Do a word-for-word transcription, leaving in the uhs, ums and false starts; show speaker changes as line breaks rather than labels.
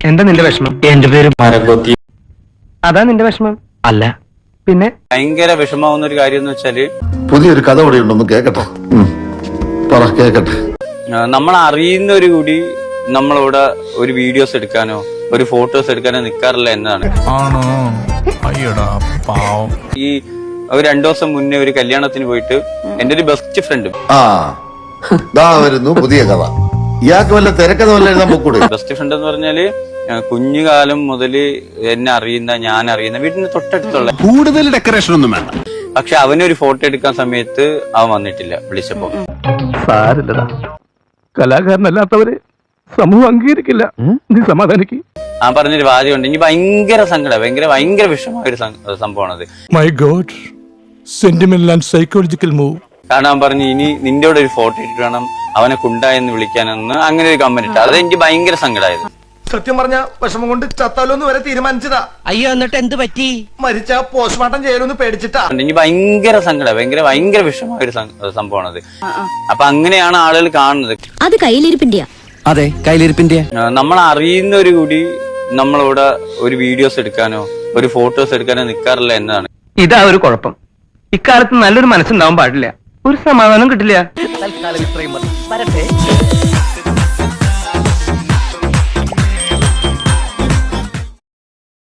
എന്താ നിന്റെ വിഷമം?
എന്റെ പേര് മരകൊത്തി.
അതാ നിന്റെ വിഷമം?
അല്ല,
പിന്നെ
ഭയങ്കര വിഷമാവുന്ന ഒരു കാര്യം എന്ന് വെച്ചാല്
പുതിയൊരു കഥ ഇവിടെ ഉണ്ടെന്ന് കേക്കട്ടെ. പറ കേക്കട്ടെ.
നമ്മൾ അറിയുന്ന ഒരു കൂടി നമ്മളിവിടെ ഒരു വീഡിയോസ് എടുക്കാനോ ഒരു ഫോട്ടോസ് എടുക്കാനോ നിൽക്കാറില്ല എന്നതാണ്.
ആണോ? അയ്യടാ പാവം.
ഈ ഒരു രണ്ടു ദിവസം മുന്നേ ഒരു കല്യാണത്തിന് പോയിട്ട് എന്റെ ഒരു ബെസ്റ്റ് ഫ്രണ്ട്
ആ ദാ വരുന്നു പുതിയ കഥ. ഇയാൾക്ക് വല്ല തിരക്കഥ വല്ല എഴുതാൻ പോക്കൂടെ?
ബെസ്റ്റ് ഫ്രണ്ട് എന്ന് പറഞ്ഞാല് കുഞ്ഞുകാലം മുതല് എന്നെ അറിയുന്ന ഞാൻ അറിയുന്ന വീടിന് തൊട്ടടുത്തുള്ള
കൂടുതൽ ഡെക്കറേഷൻ ഒന്നും വേണ്ട.
പക്ഷെ അവനൊരു ഫോട്ടോ എടുക്കാൻ സമയത്ത് അവൻ വന്നിട്ടില്ല. വിളിച്ചപ്പോ
സാരില്ലടാ, കലാകാരനല്ലാത്തവരെ സമൂഹം അംഗീകരിക്കില്ല. നീ സമാധാനിക്ക്.
ആ പറഞ്ഞൊരു വാദ്യമുണ്ട്. എനിക്ക് ഭയങ്കര സങ്കടം, ഭയങ്കര ഭയങ്കര വിഷമമായ ഒരു സംഭവമാണത്.
My God, sentimental and psychological move.
കാരണം അവൻ പറഞ്ഞു ഇനി നിന്റെ കൂടെ ഒരു ഫോട്ടോ ഇട്ടിട്ട് വേണം അവനെ കുണ്ടായെന്ന് വിളിക്കാനെന്ന് അങ്ങനെ ഒരു കമന്റ് ഇട്ടു. അത് എനിക്ക് ഭയങ്കര സങ്കടമായത്.
സത്യം പറഞ്ഞ വിഷമം കൊണ്ട് ചത്താലോന്ന് വരെ തീരുമാനിച്ചതാ.
അയ്യോ, എന്നിട്ട് എന്ത് പറ്റി?
മരിച്ച പോസ്റ്റ്മോർട്ടം ചെയ്യലൊന്ന് പേടിച്ചിട്ടാ.
എനിക്ക് ഭയങ്കര സങ്കടം, ഭയങ്കര ഭയങ്കര വിഷമമായ ഒരു സംഭവമാണത്. അപ്പൊ അങ്ങനെയാണ് ആളുകൾ കാണുന്നത്.
അത് കയ്യിലിരിപ്പിന്റെയാ.
അതെ, കയ്യിലിരിപ്പിന്റെ.
നമ്മൾ അറിയുന്ന ഒരു കൂടി നമ്മളിവിടെ ഒരു വീഡിയോസ് എടുക്കാനോ ഒരു ഫോട്ടോസ് എടുക്കാനോ നിൽക്കാറില്ല എന്നതാണ്.
ഇതാ ഒരു കുഴപ്പം. ഇക്കാലത്ത് നല്ലൊരു മനസ്സുണ്ടാവാൻ പാടില്ല, ഒരു സമാധാനം കിട്ടില്ല.
തൽക്കാലം ഇത്രയും മതി. വരട്ടെ.